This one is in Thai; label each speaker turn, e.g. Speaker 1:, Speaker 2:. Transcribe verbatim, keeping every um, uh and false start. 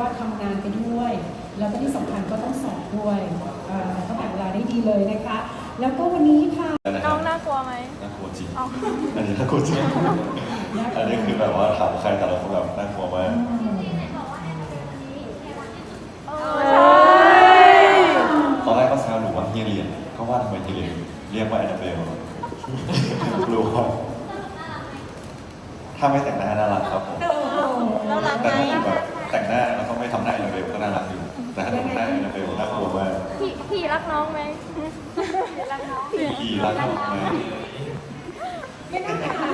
Speaker 1: ทำงานไปด้วย แล้วก็ที่สำคัญก็ต้องสอบด้วยก็แบ่งเวลาได้ดีเลยนะคะแล้วก็วันนี้ค่ะ
Speaker 2: น้องน่ากลัวไหม
Speaker 3: น่ากลัวจริงอันนี้น่ากลัวจริงอันนี้คือแบบว่าถามใครแต่ละคนแบบน่ากลัวมากตอนแรกก็แซวหนูว่าเฮียเรียนก็ว่าทำไมเฮียเรียนเรียกว่าแอนนาเบลรู้ว่าถ้าไม่แต่งหน้าน่ารักครับผมแต่ถ้าแบบแต่งหน้าแล้วก็ไม่ทำหน้าแอนนาเบลก็น่ารักอยู่แต่ถ้าแต่งหน้าแอนนาเบลน่ากลัวมาก
Speaker 2: พี่พี่รักน้องไหมรักน้อง
Speaker 3: พี่รักน้องไหม
Speaker 1: ยังไงคะ